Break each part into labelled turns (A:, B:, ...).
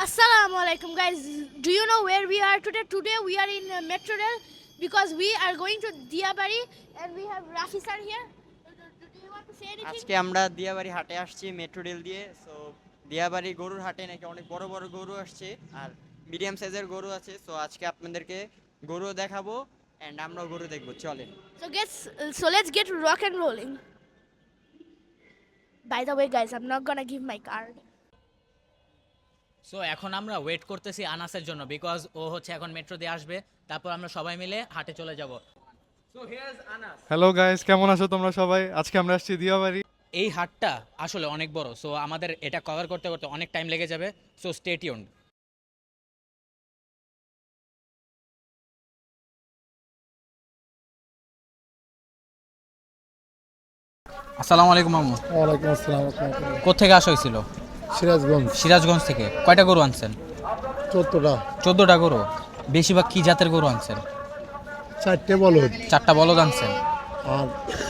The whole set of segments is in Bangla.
A: Assalamu alaikum guys. Do you know where we are today? Today we are in Metro Rail because we are going to Diabari and we have Rafi sir here. Do you want to say anything?
B: আজকে আমরা দিয়াবাড়ি হাটে আসছি মেট্রো রেল দিয়ে। সো দিয়াবাড়ি গরুর হাটে নাকি অনেক বড় বড় গরু আসছে আর মিডিয়াম সাইজের গরু আছে। সো আজকে আপনাদেরকে গরু দেখাবো এন্ড আমরাও গরু দেখবো, চলেন।
A: Let's get rock and rolling. By the way guys, I'm not gonna give my card.
C: So এখন আমরা ওয়েট করতেছি আনাসের জন্য, বিকজ ও হচ্ছে এখন মেট্রো দিয়ে আসবে, তারপর আমরা সবাই মিলে হাটে চলে যাব।
D: হ্যালো গাইস, কেমন আছো তোমরা সবাই? আজকে আমরা আসছি দিয়াবাড়ি।
C: এই হাটটা আসলে অনেক বড়, সো আমাদের এটা কভার করতে করতে অনেক টাইম লেগে যাবে, সো স্টে টিউনড। আসসালামু আলাইকুম মামু।
E: ওয়ালাইকুম আসসালাম।
C: কোত্থেকে আসা হয়েছিল?
E: সিরাজগঞ্জ।
C: সিরাজগঞ্জ থেকে। কয়টা গরু আনছেন?
E: 14টা।
C: 14টা গরু। বেশিরভাগ কি জাতের গরু আনছেন?
E: 4টে বলদ।
C: 4টা বলদ আনছেন।
E: আর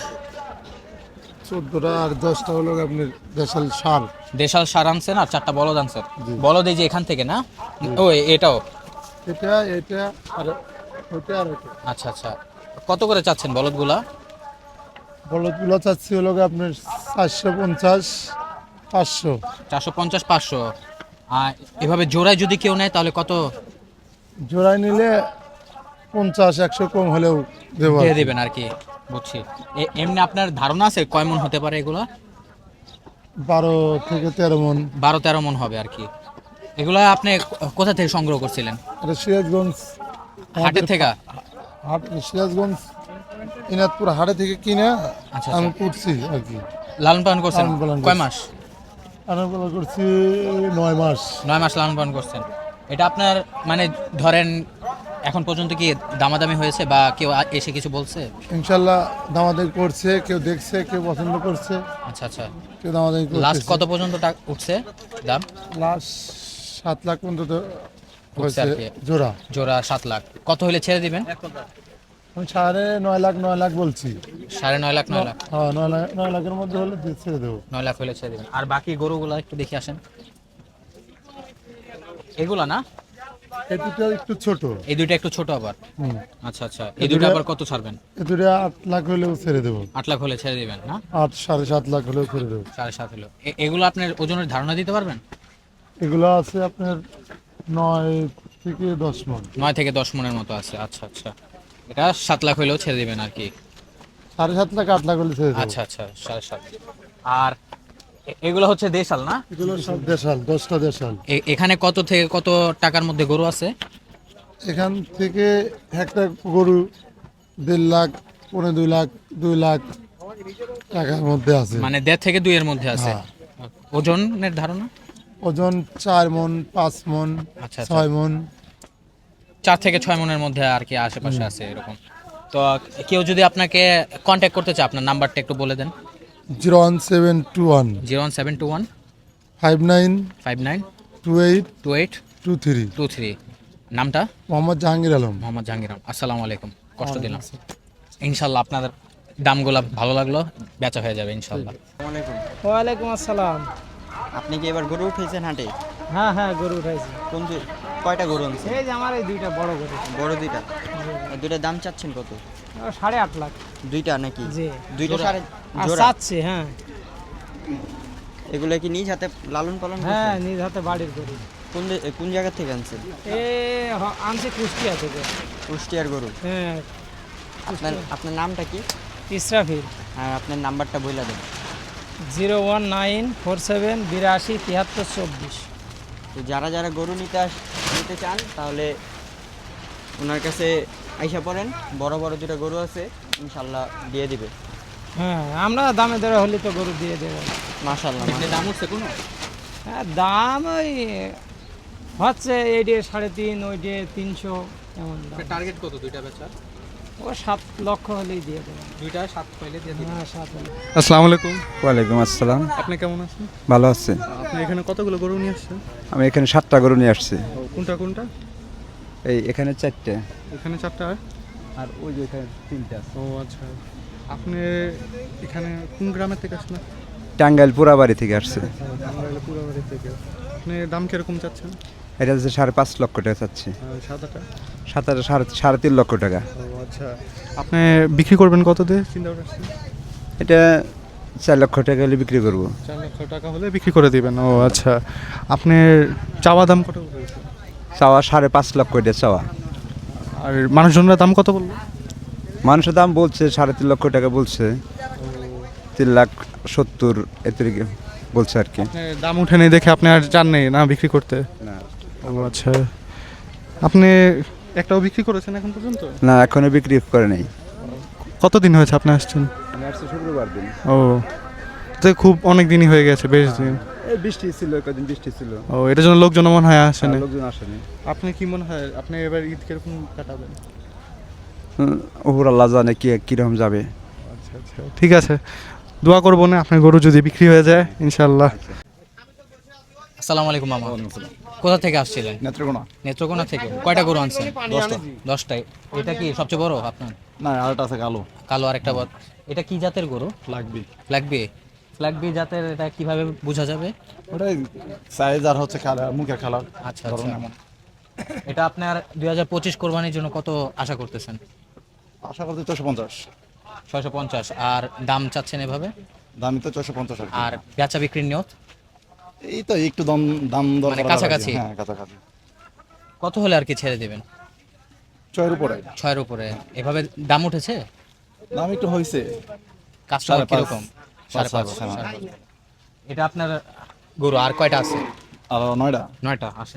E: 14টা আর 10টা হলো আপনার দেশাল সার।
C: দেশাল সার আনছেন আর 4টা বলদ আনছেন। বলদ এই যে এখান থেকে না? ও এটাও?
E: এটা আর ওটা আর ওটা।
C: আচ্ছা আচ্ছা, কত করে চাচ্ছেন বলদগুলা?
E: বলদগুলো চাচ্ছি হলো আপনার 450 500।
C: 450 500। আর এভাবে জোড়ায় যদি কেউ নেয় তাহলে কত
E: জোড়ায় নিলে 50 100 কম হলেও দেবো।
C: দিয়ে দেবেন আর কি, বুঝছি। এমনি আপনার ধারণা আছে কয় মন হতে পারে এগুলো?
E: 12 থেকে 13 মন।
C: 12-13 মন হবে আর কি। এগুলো আপনি কোথা থেকে সংগ্রহ করছিলেন?
E: এটা সিরাজগঞ্জ
C: হাটের থেকে?
E: সিরাজগঞ্জ ইনাদপুর হাটে থেকে কিনে
C: আচ্ছা
E: আমি করছি আর কি।
C: লালন পালন করছেন
E: লালন পালন
C: কয় মাস?
E: আমি করছি 9 মাস।
C: 9 মাস লালন পালন করছেন। এটা আপনার মানে ধরেন এখন পর্যন্ত কি দামাদামি হয়েছে বা কেউ এসে কিছু বলছে?
E: ইনশাল্লাহ দামাদামি করছে, কেউ দেখছে, কেউ পছন্দ করছে,
C: আচ্ছা আচ্ছা।
E: কেউ দামাদামি করছে।
C: লাস্ট কত পর্যন্ত উঠছে দাম?
E: লাস্ট 7 লাখ পর্যন্ত
C: উঠছে আর
E: হয়েছে
C: কি।
E: জোড়া।
C: জোড়া 7 লাখ। কত হলে ছেড়ে দিবেন?
E: আমি 9.5 লাখ বলছি।
C: 9.5 লাখ? 9 লাখ?
E: হ্যাঁ, 9 লাখের মধ্যে হলে ছেড়ে দেবো।
C: 9 লাখ হলে ছেড়ে দেবেন। আর বাকি গরুগুলো একটু দেখে আসেন। এগুলা না?
E: এই দুটো একটু ছোট।
C: এই দুইটা একটু ছোট আবার।
E: হুম।
C: আচ্ছা আচ্ছা। এই দুইটা আবার কত ছাড়বেন?
E: এই দুটো 8 লাখ হলেও ছেড়ে দেবো।
C: 8 লাখ হলে ছেড়ে দিবেন না?
E: 7.5 লাখ হলেও ছেড়ে দেবো।
C: 7.5 হলো। এগুলো আপনার ওজনের ধারণা দিতে পারবেন?
E: এগুলো আছে আপনার 9 থেকে 10 মন।
C: 9 থেকে 10 মনের মতো আছে। আচ্ছা আচ্ছা। এটা 7 লাখ হলেও ছেড়ে দিবেন আর কি।
E: 7.5 লাখ 8 লাখ হলে ছেড়ে দেবো।
C: আচ্ছা আচ্ছা, 7.5। আর এগুলো হচ্ছে দেশাল না?
E: এগুলো সব দেশাল, 10টা দেশাল।
C: এখানে কত থেকে কত টাকার মধ্যে গরু আছে?
E: এখান থেকে একটা গরু 1.5 লাখ, 2.5 লাখ, 2 লাখ টাকার মধ্যে আছে।
C: মানে 1.5 থেকে 2 এর মধ্যে আছে।
E: হ্যাঁ।
C: ওজনের ধারণা?
E: ওজন 4 মন, 5 মন,
C: আচ্ছা, আচ্ছা।
E: 6 মন।
C: 4 থেকে 6 মনের মধ্যে আর কি আশেপাশে আছে এরকম। তো কেউ যদি আপনাকে কন্ট্যাক্ট করতে চায়, আপনার নাম্বারটা একটু বলে দেন।
E: 01721
C: 01721
E: 59
C: 59
E: 28
C: 28
E: 23।
C: 23। নামটা?
E: মোহাম্মদ জাহাঙ্গীর আলম।
C: মোহাম্মদ জাহাঙ্গীর আলম। আসসালামু আলাইকুম, কষ্ট দিলাম। ইনশাল্লাহ আপনাদের দামগুলো ভালো লাগলো, বেচা হয়ে যাবে ইনশাল্লাহ।
B: আসসালামু আলাইকুম।
F: ওয়ালাইকুম আসসালাম।
B: আপনি কি এবার গরু উঠেছেন হাটে?
F: হ্যাঁ হ্যাঁ, গরু উঠাইছি।
B: কয়টা গরু আনছেন?
F: এই যে আমার এই দুইটা বড় গরু।
B: বড় দুইটা। এই দুইটার দাম চাচ্ছেন কত?
F: 8.5 লাখ।
B: দুইটা নাকি?
F: জি।
B: দুইটা
C: জোড়া?
B: সাড়ে
F: আর
B: জোড়া?
F: চাচ্ছে, হ্যাঁ
B: এগুলো কি নিজ হাতে লালন পালন
F: হ্যাঁ,
B: করছেন?
F: নিজ হাতে বাড়ির গরু।
B: কোন জায়গা থেকে আনছেন?
F: আনছে কুষ্টিয়া থেকে।
B: কুষ্টিয়ার গরু।
F: হ্যাঁ।
B: আপনার নামটা কি?
F: ইসরাফিল।
B: আর আপনার নাম্বারটা বইলা দেন।
F: 01947 82 73 24।
B: তো যারা যারা গরু নিতে চান তাহলে ওনার কাছে আইসা পড়েন। বড় বড় দুটো গরু আছে, ইনশাল্লাহ দিয়ে দিবে।
F: হ্যাঁ, আমরা দামে দরে হলে তো গরু দিয়ে দেবো।
B: মাশাআল্লাহ।
C: দাম উঠছে কোনো?
F: হ্যাঁ, দাম ওই হচ্ছে এইটে 3.5, ওইটে 300 এমন দাম।
C: টার্গেট কত দুইটা বেচার?
F: ও 7 লক্ষ হলেই দিয়ে দেবেন।
C: দুইটা 7 পাইলে দিয়ে দিবেন।
F: হ্যাঁ, 7 হলে।
D: আসসালামু আলাইকুম।
G: ওয়ালাইকুম আসসালাম।
D: আপনি কেমন আছেন?
G: ভালো আছে।
D: আপনি এখানে কতগুলো গরু নিয়ে আসছেন?
G: আমি এখানে 7টা গরু নিয়ে আসছি।
D: কোনটা কোনটা?
G: এখানে 4টে
D: এখানে 4টা।
G: আর ওই যে এখানে 3টা।
D: ও আচ্ছা। আপনি এখানে কোন গ্রামের থেকে আসছেন?
G: টাঙ্গাইল পুরাবাড়ি থেকে আসছে।
D: টাঙ্গাইল পুরাবাড়ি থেকে। আপনি দাম কিরকম চাচ্ছেন?
G: এটা হচ্ছে 5.5 লক্ষ টাকা চাচ্ছি।
D: সাদাটা?
G: সাদাটা 3.5 লক্ষ টাকা।
D: ও আচ্ছা, আপনি বিক্রি করবেন কত দিয়ে চিন্তা করছেন?
G: এটা 4 লক্ষ টাকা হলে বিক্রি করবো।
D: 4 লক্ষ টাকা হলে বিক্রি করে দিবেন। ও আচ্ছা, আপনি চাওয়া দাম কত বলছেন?
G: চাওয়া 5.5 লক্ষ এটা চাওয়া।
D: আর মানুষজনের দাম কত বললো?
G: মানুষের দাম বলছে 3.5 লক্ষ টাকা বলছে, 3,70,000 এর দিকে বলছে আর কি।
D: আপনি দাম উঠেনি দেখে আপনি আর চান নেই না বিক্রি করতে?
G: না
D: ও আচ্ছা, আপনি একটাও বিক্রি করেছেন এখন পর্যন্ত?
G: না, এখনো বিক্রি করে নেই।
D: কতদিন হয়েছে আপনি আসছেন?
G: আমি আসছি শুক্রবার দিন।
D: ও, তো খুব অনেক দিনই হয়ে গেছে, বেশ দিন।
G: এই বৃষ্টি ছিল, কদিন বৃষ্টি ছিল,
D: ও, এটার জন্য লোকজন মনে হয় আসেনি।
G: লোকজন আসেনি।
D: আপনি কি মনে হয় আপনি এবার ঈদ কিরকম কাটাবেন?
G: ওপর আল্লাহ জানে কিরকম যাবে।
D: আচ্ছা আচ্ছা, ঠিক আছে, দোয়া করবো না আপনার গরু যদি বিক্রি হয়ে যায় ইনশাল্লাহ।
C: আসসালামু আলাইকুম মামা। কোথা থেকে আসছিলেন?
E: নেত্রকোনা।
C: নেত্রকোনা থেকে। কয়টা গরু আনছেন? 10টায়। এটা কি সবচেয়ে বড় আপনার?
E: না, আরেকটা আছে কালো।
C: কালো আরেকটা বড়। এটা কি জাতের গরু?
E: লাগবে।
C: ফ্ল্যাগবি জাতের। এটা কিভাবে বোঝা যাবে?
E: ওটাই সাইজ আর হচ্ছে খেলা, মুখের খেলা।
C: আচ্ছা আচ্ছা। এটা আপনার 2025 কোরবানির জন্য কত আশা করতেছেন?
E: আশা করতে 450।
C: 650। আর দাম চাচ্ছেন এভাবে?
E: দামি তো 450 আর কি।
C: আর বেচা বিক্রির নিয়ত?
E: এই তো একটু দাম দর
C: মানে
E: করা
C: কাছাকাছি?
E: লাগবে। হ্যাঁ, কাছাকাছি।
C: কত হলে আর কি ছেড়ে দেবেন?
E: 6 উপরে
C: 6-এর উপরে। এভাবে দাম উঠেছে?
E: দাম একটু হয়েছে।
C: কাস্টমার
E: 5.5
C: কিরকম? 5.5।
E: হ্যাঁ।
C: এটা আপনার গরু আর কয়টা আছে?
E: আর 9টা।
C: 9টা। আসেন।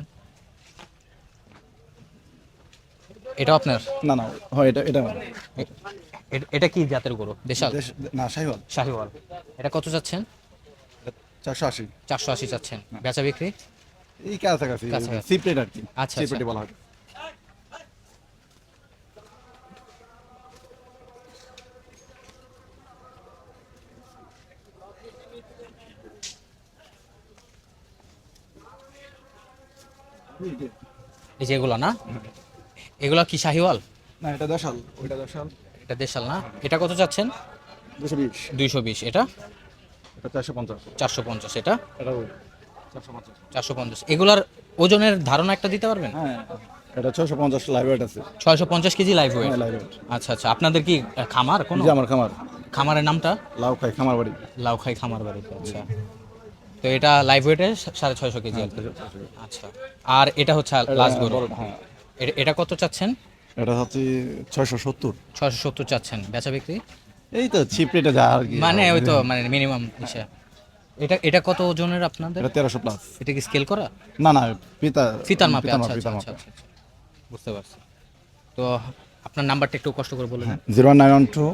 C: এটা আপনার?
E: না না, হয় এটা
C: এটা কি জাতের গরু? দেশাল?
E: না, শাহিওয়াল।
C: শাহিওয়াল। এটা কত চাচ্ছেন?
E: 480।
C: 480 চাচ্ছেন। বেচা বিক্রি?
E: এই কাছাকাছি,
C: কাছাকাছি।
E: সিপ্রেট আর কি।
C: আচ্ছা,
E: সিপ্রেট
C: আচ্ছা।
E: বলা হয়।
C: এই যে এগুলো না? এগুলো কি শাহিওয়াল?
E: না, এটা দেশাল, ওইটা দেশাল।
C: এটা দেশাল না? এটা কত চাচ্ছেন?
E: 220।
C: 220। এটা?
E: এটা 450।
C: 450। এটা?
E: এটাও 450।
C: 450। এগুলার ওজনের ধারণা একটা দিতে পারবেন?
E: হ্যাঁ, এটা 650 লাইভ ওয়েট আছে।
C: 650 কেজি লাইভ ওয়েট?
E: হ্যাঁ, লাইভ ওয়েট।
C: আচ্ছা আচ্ছা। আপনাদের কি খামার কোনো?
E: যে আমার খামার,
C: খামারের নামটা?
E: লাউখাই খামার বাড়ি।
C: লাউখাই খামার বাড়িতে। আচ্ছা। তো এটা লাইভ ওয়েটে 650 কেজি আর কি। আচ্ছা। আর এটা হচ্ছে লাস্ট গরু?
E: হ্যাঁ,
C: এটা কত চাচ্ছেন?
E: এটা হচ্ছে 670।
C: 670 চাচ্ছেন। বেচা বিক্রি?
E: এই তো চিপ রেটে যা আর কি।
C: মানে ওই তো মানে মিনিমাম হিসেবে। এটা কত ওজনের আপনাদের?
E: এটা 1300 প্লাস।
C: এটা কি স্কেল করা?
E: না না,
C: ফিতার মাপে? আচ্ছা আচ্ছা
E: ফিতার
C: আচ্ছা
E: মাপে।
C: আচ্ছা। বুঝতে পারছি। তো আপনার নাম্বারটা একটু কষ্ট করে বলুন।
E: 0912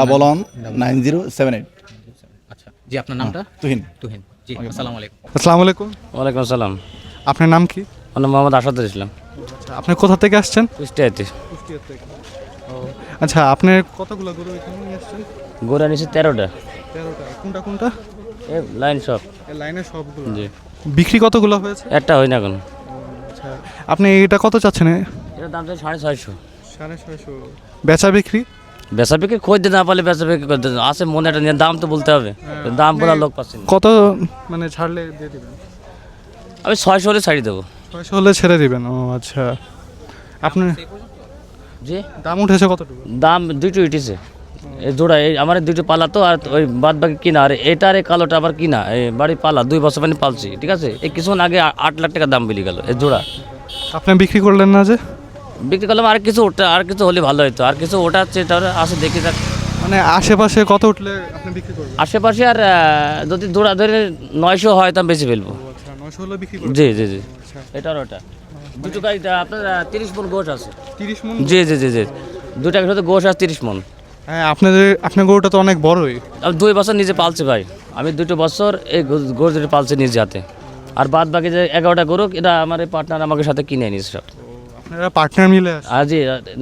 E: 119078।
C: আচ্ছা জি, আপনার নামটা?
E: তুহিন।
C: তুহিন জি। আসসালামু আলাইকুম।
D: আসসালামু আলাইকুম,
H: ওয়ালাইকুম আসসালাম।
D: আপনার নাম কি?
H: আমার নাম মোহাম্মদ আসাদুল ইসলাম।
D: আচ্ছা, আপনি কোথা থেকে আসছেন?
H: কুষ্টিয়াতে।
D: আচ্ছা, আপনি কতগুলো গরু এখানে নিয়ে আসছেন?
H: গোড়া নিচে 13টা।
D: 13টা। কোনটা কোনটা?
H: এ লাইন সব।
D: এই লাইনে সবগুলো?
H: জি।
D: বিক্রি কতগুলো হয়েছে?
H: একটা হয় না এখন।
D: আচ্ছা, আপনি এটা কত চাচ্ছেন?
H: এটার দাম চাই 650।
D: 650। বেচা বিক্রি?
H: বেচা বিক্রি খোঁজ দিতে না পারলে বেচা বিক্রি করতে আছে মনে একটা নিয়ে দাম তো বলতে হবে। দাম বলার লোক পাচ্ছি না।
D: কত মানে ছাড়লে দিয়ে দিবেন?
H: আমি 600 হলে ছাড়ি দেবো।
D: 600 হলে ছেড়ে দিবেন? ও আচ্ছা। আপনি
H: জি।
D: দাম উঠেছে কতটুকু?
H: দাম দুটো উঠেছে। এই জোড়া এই আমার দুটো পালা তো, আর ওই বাদ বাকি কিনা। আর এটার এই কালোটা আবার কিনা। এই বাড়ি পালা 2 বছর মানে পালছি, ঠিক আছে। এই কিছুক্ষণ আগে 8 লাখ টাকা দাম বেরিয়ে গেল এই জোড়া।
D: আপনি বিক্রি করলেন না যে?
H: বিক্রি করলাম। আর কিছু ওটা, আর কিছু হলে ভালো হতো। আর কিছু ওটা হচ্ছে, এটা আসে দেখি যাক।
D: মানে আশেপাশে কত উঠলে আপনি বিক্রি করবেন?
H: আশেপাশে আর যদি জোড়া ধরে 900 হয় তা বেশি ফেলবো।
D: আচ্ছা, 900 হলে বিক্রি করবেন?
H: জি জি জি। এটা আর ওটা দুটো গাড়িটা আপনার 30 মন গোশ আছে।
D: 30 মণ?
H: জি জি জি জি। দুটা সাথে গোশ আছে 30 মন।
D: হ্যাঁ, আপনার গরুটা তো অনেক বড়ই।
H: আমি 2 বছর নিজে পালছি ভাই। আমি 2 বছর এই গোশ দুটো পালছি নিজে হাতে। আর বাদ বাকি যে 11টা গরু, এটা আমার এই পার্টনার আমাকে সাথে কিনে নিয়েছে সব।
D: আপনারা পার্টনার মিলে আসেন?
H: আর জি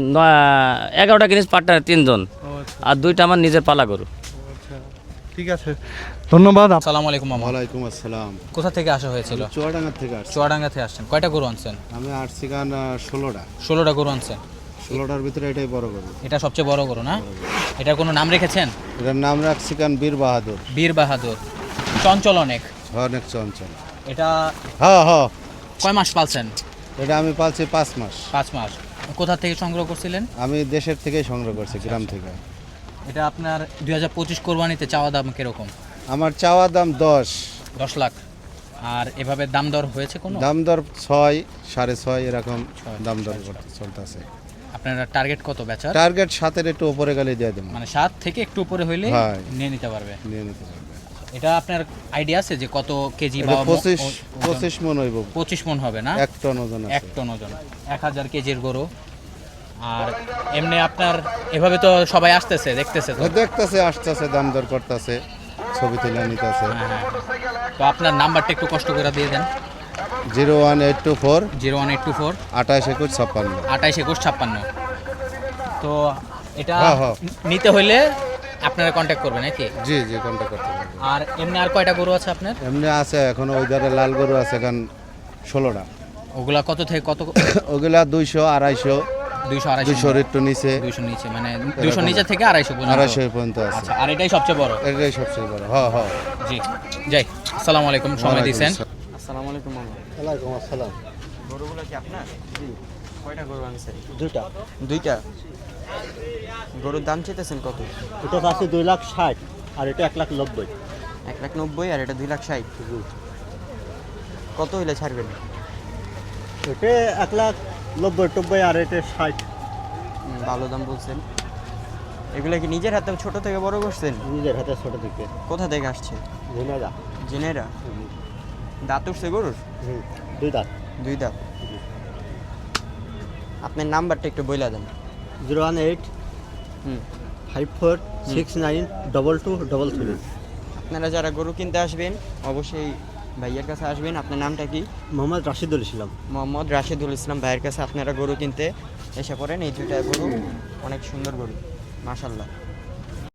H: 11টা কিনিস পার্টনার 3 জন।
D: আচ্ছা
H: আর 2টা আমার নিজের পালা গরু।
D: আচ্ছা, ঠিক আছে, ধন্যবাদ।
C: আসসালামু আলাইকুম মামা।
I: ওয়ালাইকুম আসসালাম।
C: কোথা থেকে আসা হয়েছিল?
I: চুয়াডাঙ্গা থেকে আসছি।
C: চুয়াডাঙ্গা থেকে আসছেন। কয়টা গরু আনছেন?
I: আমি আসছি গান 16টা।
C: 16টা গরু আনছেন।
I: 16টার ভিতরে এটাই বড় গরু।
C: এটা সবচেয়ে বড় গরু না? এটার কোনো নাম রেখেছেন?
I: এটার নাম রাখছি গান বীর বাহাদুর।
C: বীর বাহাদুর। চঞ্চল অনেক।
I: অনেক চঞ্চল।
C: এটা
I: হ্যাঁ হ্যাঁ,
C: কয় মাস পালছেন?
I: এটা আমি পালছি 5 মাস।
C: 5 মাস। কোথা থেকে সংগ্রহ করছিলেন?
I: আমি দেশের থেকেই সংগ্রহ করছি, গ্রাম থেকে।
C: এটা আপনার 2025 কোরবানিতে চাওয়া দাম কিরকম?
I: আমার চাওয়া দাম 10
C: লাখ। আর এভাবে দাম দর হয়েছে কোনো?
I: দাম দর 6, 6.5 এরকম দাম দর চলতেছে।
C: আপনারা টার্গেট কত বেচার?
I: টার্গেট 7-এর একটু উপরে গেলে দিয়ে দেবো।
C: মানে 7 থেকে একটু উপরে হইলে
I: হ্যাঁ।
C: নিয়ে নিতে পারবে।
I: নিয়ে নিতে পারবে।
C: এটা আপনার আইডিয়া আছে যে কত কেজি বা
I: এটা 25 মন হইব।
C: 25 মন হবে না?
I: 1 টন ওজন আছে।
C: 1 টন ওজন, 1000 কেজির গরু। আর এমনি আপনার এভাবে তো সবাই আসতেছে, দেখতেছে তো।
I: দেখতেছে, আসতেছে, দাম দর করতেছে, ছবি তুলে নিতেছে।
C: হ্যাঁ। তো আপনার নাম্বারটা একটু কষ্ট করে দিয়ে দেন।
I: 01824
C: 01824
I: 28 21 56।
C: 28 21 56। তো এটা
I: হ্যাঁ।
C: নিতে হইলে আপনারা কন্ট্যাক্ট করবেন নাকি?
I: জি কন্টাক্ট করতে পারবেন।
C: আর এমনি আর কয়টা গরু আছে আপনার?
I: এমনি আছে এখন, ওই ধারে লাল গরু আছে এখন 16টা।
C: ওগুলা কত থেকে কত?
I: ওগুলা 200, 250,
C: 200
I: 200
C: 250
I: একটু নিচে,
C: 200 নিচে, মানে 200 নিচে থেকে 250 পর্যন্ত।
I: 250 পর্যন্ত আছে।
C: আচ্ছা, আর এটাই সবচেয়ে বড়?
I: এটাই সবচেয়ে বড়। হ্যাঁ।
C: জি, যাই। আসসালামু আলাইকুম, সময় দিয়েছেন।
B: আসসালামু আলাইকুম মামা।
E: ওয়ালাইকুম আসসালাম।
B: গরুগুলো কি আপনার? জি। কয়টা গরু আনছেন?
J: দুইটা।
B: গরুর দাম চেতেছেন কত?
J: এটা আছে 2,60,000 আর এটা 1,90,000।
B: 1,90,000 আর এটা 2,60,000। কত হইলে ছাড়বেন?
J: এটা 1,90,000 আর এটা 60।
B: ভালো দাম বলছেন। এগুলো কি নিজের হাতে ছোট থেকে বড় করছেন?
J: নিজের হাতে ছোট থেকে।
B: কোথা থেকে আসছে?
J: ঝিনাইদহ।
B: জেনেরা। দাঁত উঠছে গরুর?
J: 2 দাঁত।
B: 2 দাঁত। আপনার নাম্বারটা একটু বইলা দেন।
J: 018
B: হুম।
J: 54692233।
B: আপনারা যারা গরু কিনতে আসবেন অবশ্যই ভাইয়ের কাছে আসবেন। আপনার নামটা কি?
J: মোহাম্মদ রাশিদুল ইসলাম।
B: মোহাম্মদ রাশেদুল ইসলাম ভাইয়ের কাছে আপনারা গরু কিনতে এসে পড়েন। এই দুইটা গরু অনেক সুন্দর গরু, মাশাআল্লাহ।